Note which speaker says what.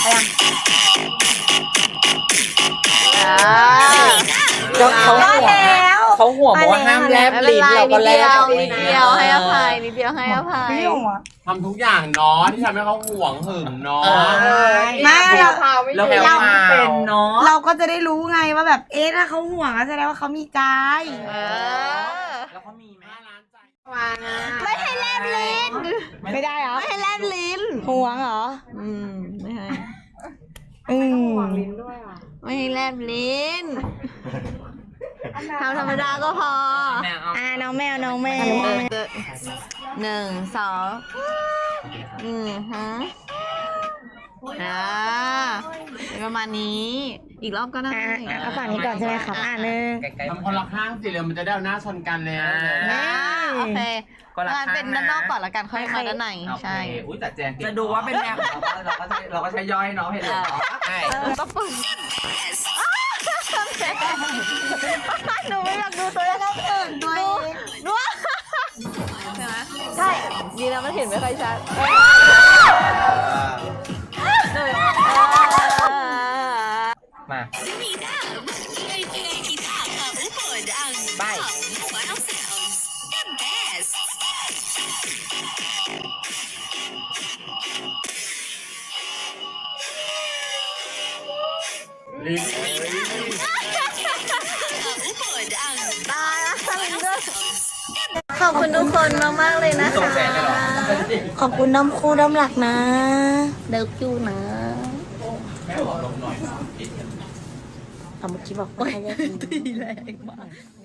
Speaker 1: เขาห่วงเขาห่วงบอกว่าห้ามแลบลิ้นเราก็แลบ
Speaker 2: นิดเดียวให้อภัยนิดเดียวให้อภัย
Speaker 3: ทำทุกอย่างเนาะที่ทำให้เขาห่วงหึงเนาะ
Speaker 4: ไม่เรา
Speaker 1: เป็นเนาะ
Speaker 4: เราก็จะได้รู้ไงว่าแบบถ้าเขาห่วงก็แสดงว่าเขามีใจ
Speaker 1: แล้วเขามีไหม
Speaker 2: ไม่ให้แลบลิ้น
Speaker 4: ไม่ได้เหรอ
Speaker 2: ไม่ให้แลบลิ้น
Speaker 4: ห่วงเหรอ
Speaker 2: ไม่ให้
Speaker 4: ไม่ให้แลบลิ้น
Speaker 2: ทำธรรมดาก็พอ
Speaker 4: น้องแมว1 2
Speaker 2: ประมาณนี้ อีกรอบก็ได้
Speaker 4: เอาฝั่งนี้ก่อนใช่ไหมครับหนึ่ง
Speaker 3: ทำคนละข้างสิเร็วมันจะได้เอาหน้าชนกันเลย
Speaker 2: โอเคงั้นเป็นด้านนอกก่อนละกันค่อยมาด้านในใช่
Speaker 1: อุ้ยแต่แจงจะดูว่าเป็นแมวเราก็ใช้ย่อยน้องเห็นไหมใช่
Speaker 2: ก็ปึ้งหนูไม่อยากดูตัวแล้วก็ตื่นตัวเองดูใช่ไหมใช่ดีนะมันเห็นไม่ค่อยชัด
Speaker 1: มาไป
Speaker 3: ลิ้น
Speaker 2: ขอบคุณทุกคนมากๆเลยนะคะ
Speaker 4: ขอบคุณน้ำคู่น้ำหลักนะ
Speaker 2: เดิฟยูนะ
Speaker 4: เอาเมื่อกี้บอกว่าให้แยก
Speaker 2: ตีแรงมาก